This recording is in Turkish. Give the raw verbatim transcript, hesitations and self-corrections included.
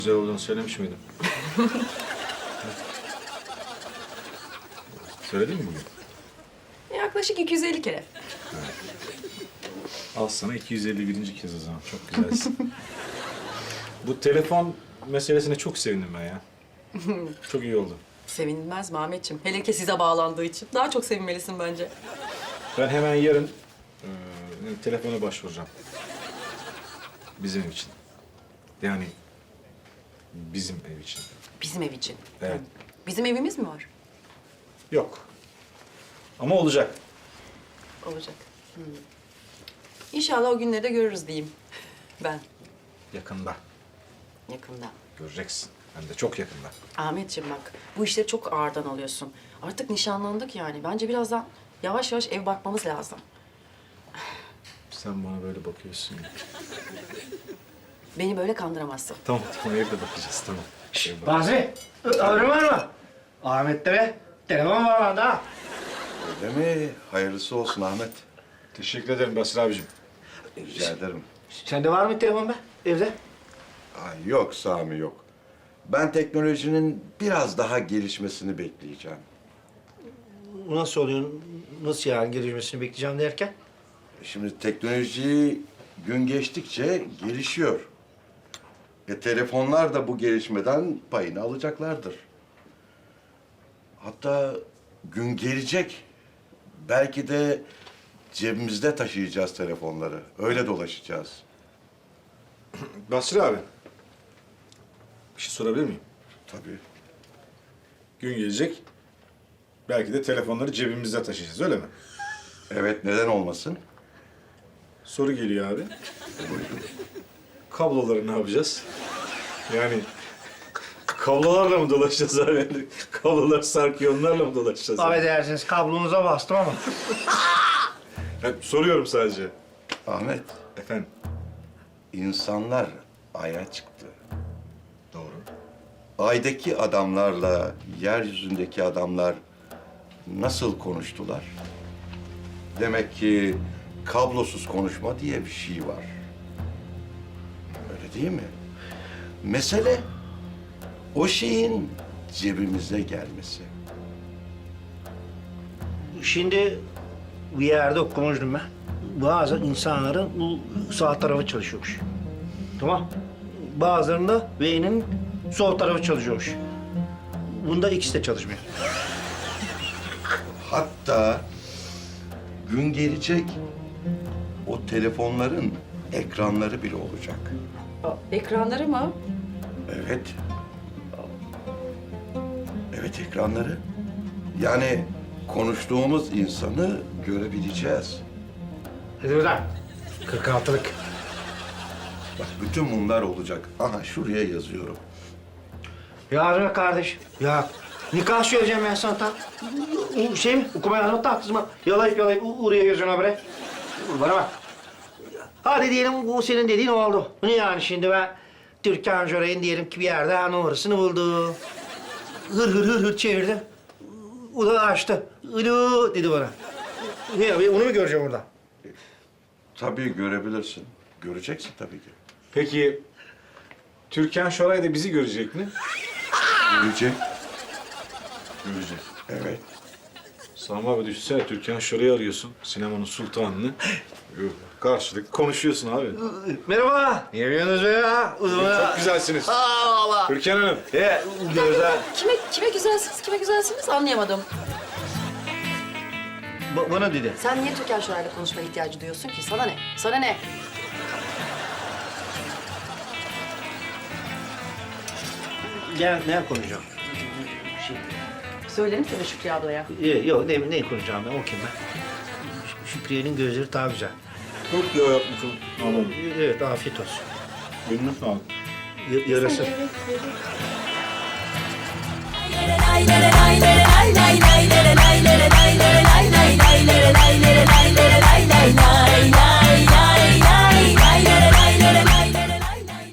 Güzel olduğunu söylemiş miydim? Söyledin mi bugün? Yaklaşık iki yüz elli kere. Al sana iki yüz elli birinci kez o zaman. Çok güzelsin. Bu telefon meselesine çok sevindim ben ya. Çok iyi oldu. Sevinilmez mi Ahmetciğim? Hele ki size bağlandığı için. Daha çok sevinmelisin bence. Ben hemen yarın e, telefona başvuracağım. Bizim ev için. Yani bizim ev için. Bizim ev için. Evet. Bizim evimiz mi var? Yok. Ama olacak. Olacak. Hmm. İnşallah o günleri de görürüz diyeyim. Ben Yakında. yakında. Göreceksin. Hem de çok yakında. Ahmetciğim bak, bu işleri çok ağırdan alıyorsun. Artık nişanlandık yani. Bence birazdan yavaş yavaş ev bakmamız lazım. Sen bana böyle bakıyorsun ya. Beni böyle kandıramazsın. Tamam tamam evde bakacağız tamam. Evde bak- Bahri, ömrün var mı? Ahmetlere telefon bağlandı ha. Öyle mi? Hayırlısı olsun Ahmet. Teşekkür ederim Basri abicim. Rica ederim. Sende var mı telefon be evde? Ay, yok Sami yok. Ben teknolojinin biraz daha gelişmesini bekleyeceğim. Nasıl oluyor? Nasıl yani gelişmesini bekleyeceğim derken? Şimdi teknoloji gün geçtikçe gelişiyor. E, telefonlar da bu gelişmeden payını alacaklardır. Hatta gün gelecek. Belki de cebimizde taşıyacağız telefonları. Öyle dolaşacağız. Basri abi. Bir şey sorabilir miyim? Tabii. Gün gelecek. Belki de telefonları cebimizde taşıyacağız öyle mi? Evet, neden olmasın? Soru geliyor abi. Kabloları ne yapacağız? Yani kablolarla mı dolaşacağız abi? Kablolar sarkıyor onlarla mı dolaşacağız? abi? Affedersiniz kablonuza bastım ama. Ya, soruyorum sadece. Ahmet, Efendim? insanlar Ay'a çıktı. Doğru. Ay'daki adamlarla yeryüzündeki adamlar nasıl konuştular? Demek ki kablosuz konuşma diye bir şey var. Öyle değil mi? Mesele o şeyin cebimize gelmesi. Şimdi bir yerde okumuştum ben. Bazı insanların bu sağ tarafı çalışıyormuş. Tamam. Bazılarında beynin sol tarafı çalışıyormuş. Bunda ikisi de çalışmıyor. Hatta gün gelecek o telefonların ekranları bile olacak. Ekranları mı? Evet. Evet ekranları. Yani konuştuğumuz insanı görebileceğiz. Hadi buradan. kırk altılık. Bak bütün bunlar olacak. Aha şuraya yazıyorum. Ya be kardeş. Ya nikah söyleyeceğim ben sana tam. O Şey mi? Okuma yazma tahtası mı? Yalayıp yalayıp u- oraya yazıyorsun habire. Bana bak. Hadi diyelim bu senin dediğin oldu. Ne yani şimdi ben Türkan Şoray'ın diyelim ki bir yerde ha, numarasını buldu. Hır hır hır hır çevirdim. O da açtı. Alo dedi bana. Ne ya, onu mu göreceğim orada? Tabii görebilirsin. Göreceksin tabii ki. Peki Türkan Şoray da bizi görecek mi? Görecek. Görecek. Evet. Sami abi düşünsene Türkan Şoray'ı arıyorsun. Sinemanın sultanını. Karşılıklı konuşuyorsun abi. Merhaba. Ne yapıyorsunuz be ya? Çok güzelsiniz. Aa valla. Türkan Hanım. He, gözler. Kime kime güzelsiniz, kime güzelsiniz anlayamadım. Ba- bana dedi. Sen niye Türkan Şoray'la konuşma ihtiyacı duyuyorsun ki? Sana ne? Sana ne? Gel ne konuşacağım? Şey, Söylerim sana Şükrü ablaya. e, yok ne, ne konuşacağım ben okuyayım ben. Ş- Şükriye'nin gözleri daha güzel. Çok güzel yapmışsın. Tamam. Evet afiyet olsun. Eline sağlık. Y- yarası. Evet, evet.